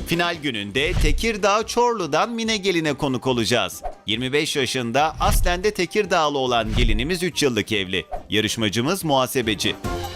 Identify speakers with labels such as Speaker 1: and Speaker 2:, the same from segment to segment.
Speaker 1: Final gününde Tekirdağ Çorlu'dan Mine Gelin'e konuk olacağız. 25 yaşında aslen de Tekirdağlı olan gelinimiz 3 yıllık evli. Yarışmacımız muhasebeci.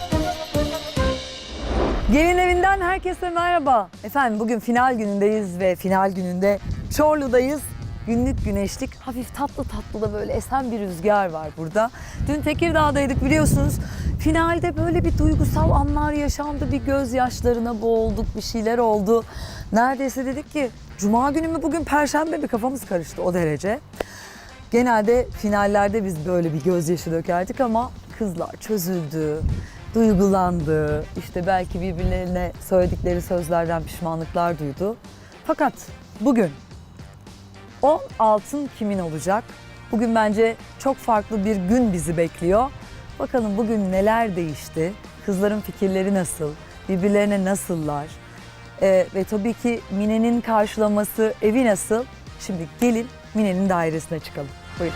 Speaker 2: Gelin evinden herkese merhaba. Efendim bugün final günündeyiz ve final gününde Çorlu'dayız. Günlük güneşlik, hafif tatlı tatlı da böyle esen bir rüzgar var burada. Dün Tekirdağ'daydık biliyorsunuz. Finalde böyle bir duygusal anlar yaşandı. Bir gözyaşlarına boğulduk, bir şeyler oldu. Neredeyse dedik ki Cuma günü mü bugün Perşembe mi, kafamız karıştı o derece. Genelde finallerde biz böyle bir gözyaşı dökerdik ama kızlar çözüldü, duygulandı. İşte belki birbirlerine söyledikleri sözlerden pişmanlıklar duydu. Fakat bugün o altın kimin olacak? Bugün bence çok farklı bir gün bizi bekliyor. Bakalım bugün neler değişti? Kızların fikirleri nasıl? Birbirlerine nasıllar? Ve tabii ki Mine'nin karşılaması, evi nasıl? Şimdi gelin Mine'nin dairesine çıkalım. Buyurun.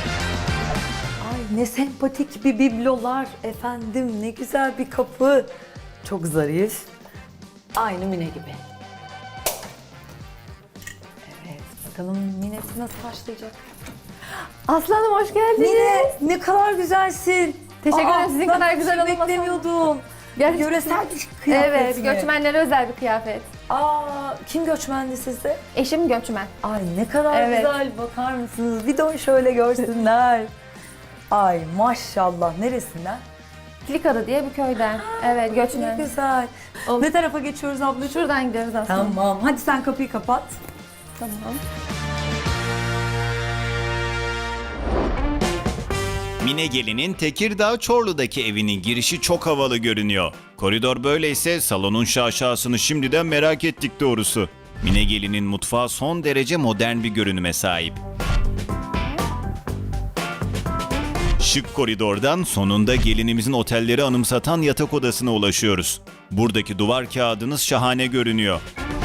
Speaker 2: Ay ne sempatik bir biblolar efendim. Ne güzel bir kapı. Çok zarif. Aynı Mine gibi. Bakalım Mine'si nasıl başlayacak?
Speaker 3: Aslanım hoş geldiniz.
Speaker 2: Mine ne kadar güzelsin.
Speaker 3: Teşekkür ederim. Sizin
Speaker 2: ben
Speaker 3: kadar güzel
Speaker 2: hiç
Speaker 3: olmasam.
Speaker 2: beklemiyordum.
Speaker 3: Gerçekten.
Speaker 2: Yöresel bir kıyafet
Speaker 3: Evet,
Speaker 2: mi?
Speaker 3: göçmenlere özel bir kıyafet.
Speaker 2: Kim göçmendi sizde?
Speaker 3: Eşim göçmen.
Speaker 2: Ay ne kadar
Speaker 3: Evet.
Speaker 2: güzel, bakar mısınız? Bir de şöyle görsünler. Ay maşallah, neresinden?
Speaker 3: Kilikada diye bir köyden. Evet,
Speaker 2: Ne
Speaker 3: göçmen.
Speaker 2: güzel. Ne tarafa geçiyoruz ablacığım?
Speaker 3: Şuradan gidiyoruz aslında.
Speaker 2: Tamam, hadi sen kapıyı kapat.
Speaker 3: Tamam.
Speaker 1: Mine Gelin'in Tekirdağ Çorlu'daki evinin girişi çok havalı görünüyor. Koridor böyleyse salonun şaşasını şimdiden merak ettik doğrusu. Mine Gelin'in mutfağı son derece modern bir görünüme sahip. Şık koridordan sonunda gelinimizin otelleri anımsatan yatak odasına ulaşıyoruz. Buradaki duvar kağıdınız şahane görünüyor.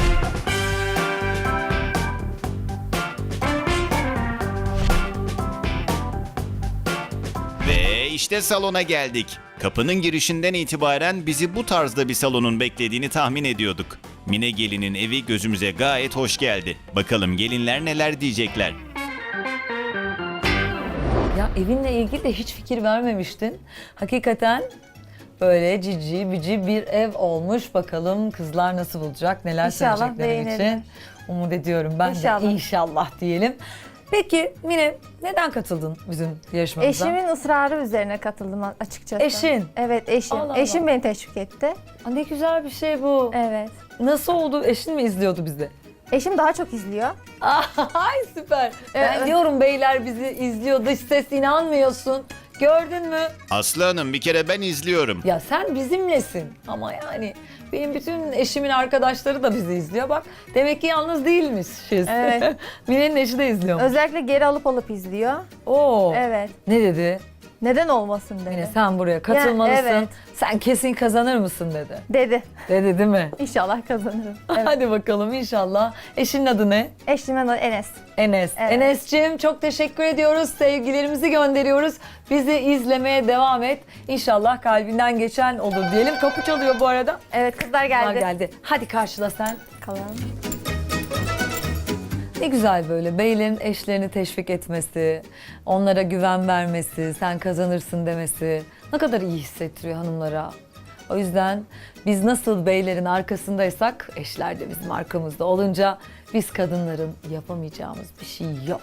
Speaker 1: Ve işte salona geldik. Kapının girişinden itibaren bizi bu tarzda bir salonun beklediğini tahmin ediyorduk. Mine Gelin'in evi gözümüze gayet hoş geldi. Bakalım gelinler neler diyecekler.
Speaker 2: Ya evinle ilgili de hiç fikir vermemiştin. Hakikaten böyle cici bici bir ev olmuş. Bakalım kızlar nasıl bulacak, neler
Speaker 3: İnşallah
Speaker 2: söyleyecekler için.
Speaker 3: beğenirler.
Speaker 2: Umut ediyorum ben
Speaker 3: İnşallah.
Speaker 2: de inşallah diyelim. Peki Mine neden katıldın bizim yarışmamıza?
Speaker 3: Eşimin ısrarı üzerine katıldım açıkçası.
Speaker 2: Eşin?
Speaker 3: Evet, eşim.
Speaker 2: Allah Allah.
Speaker 3: Eşim beni teşvik etti.
Speaker 2: Aa, ne güzel bir şey bu.
Speaker 3: Evet.
Speaker 2: Nasıl oldu? Eşin mi izliyordu bizi?
Speaker 3: Eşim daha çok izliyor.
Speaker 2: Ay süper. Ben
Speaker 3: Evet.
Speaker 2: diyorum beyler bizi izliyor, dış ses inanmıyorsun. Gördün mü?
Speaker 1: Aslı Hanım bir kere ben izliyorum.
Speaker 2: Ya sen bizimlesin ama yani benim bütün eşimin arkadaşları da bizi izliyor. Bak demek ki yalnız değilmişiz.
Speaker 3: Evet.
Speaker 2: Mine'nin eşi de izliyor.
Speaker 3: Özellikle geri alıp izliyor.
Speaker 2: Oo.
Speaker 3: Evet.
Speaker 2: Ne dedi?
Speaker 3: Neden olmasın dedi.
Speaker 2: Mine sen buraya katılmalısın.
Speaker 3: evet.
Speaker 2: Sen kesin kazanır mısın dedi.
Speaker 3: Dedi.
Speaker 2: Dedi değil mi?
Speaker 3: İnşallah kazanırım. Evet.
Speaker 2: Hadi bakalım inşallah. Eşinin adı ne?
Speaker 3: Eşimin adı Enes.
Speaker 2: Enes.
Speaker 3: Evet.
Speaker 2: Enes'cim çok teşekkür ediyoruz. Sevgilerimizi gönderiyoruz. Bizi izlemeye devam et. İnşallah kalbinden geçen olur diyelim. Kapı çalıyor bu arada.
Speaker 3: Evet, kızlar geldi.
Speaker 2: Geldi. Hadi karşıla sen.
Speaker 3: Bakalım.
Speaker 2: Ne güzel böyle beylerin eşlerini teşvik etmesi, onlara güven vermesi, sen kazanırsın demesi ne kadar iyi hissettiriyor hanımlara. O yüzden biz nasıl beylerin arkasındaysak eşler de bizim arkamızda olunca biz kadınların yapamayacağımız bir şey yok.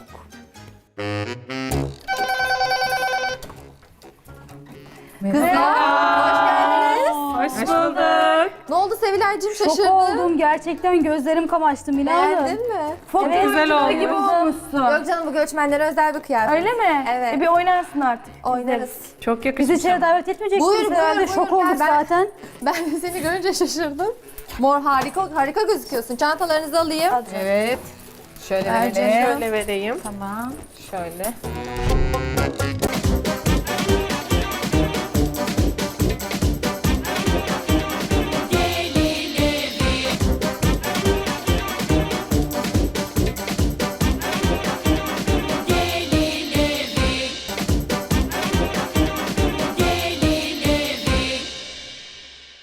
Speaker 4: Hoş bulduk.
Speaker 3: Ne oldu Sevilay'cığım,
Speaker 4: Şok
Speaker 3: şaşırdın?
Speaker 4: oldum gerçekten, gözlerim kamaştı Mine Hanım.
Speaker 3: Beğendin mi?
Speaker 4: Çok güzel oldu. Gibi olmuşsun.
Speaker 3: Yok canım, bu göçmenlere özel bir kıyafet.
Speaker 4: Öyle mi?
Speaker 3: Evet.
Speaker 4: Bir oynarsın artık.
Speaker 3: Oynarız.
Speaker 4: Çok yakışmış. Bizi içeri davet etmeyeceksiniz
Speaker 3: Buyur,
Speaker 4: herhalde.
Speaker 3: buyur,
Speaker 4: Şok
Speaker 3: buyur.
Speaker 4: olduk
Speaker 3: Ben-
Speaker 4: zaten.
Speaker 3: Ben de seni görünce şaşırdım. Mor, harika gözüküyorsun. Çantalarınızı alayım.
Speaker 2: Evet. Şöyle
Speaker 3: Ercan,
Speaker 2: verelim.
Speaker 3: şöyle
Speaker 5: vereyim.
Speaker 3: Tamam.
Speaker 5: Şöyle.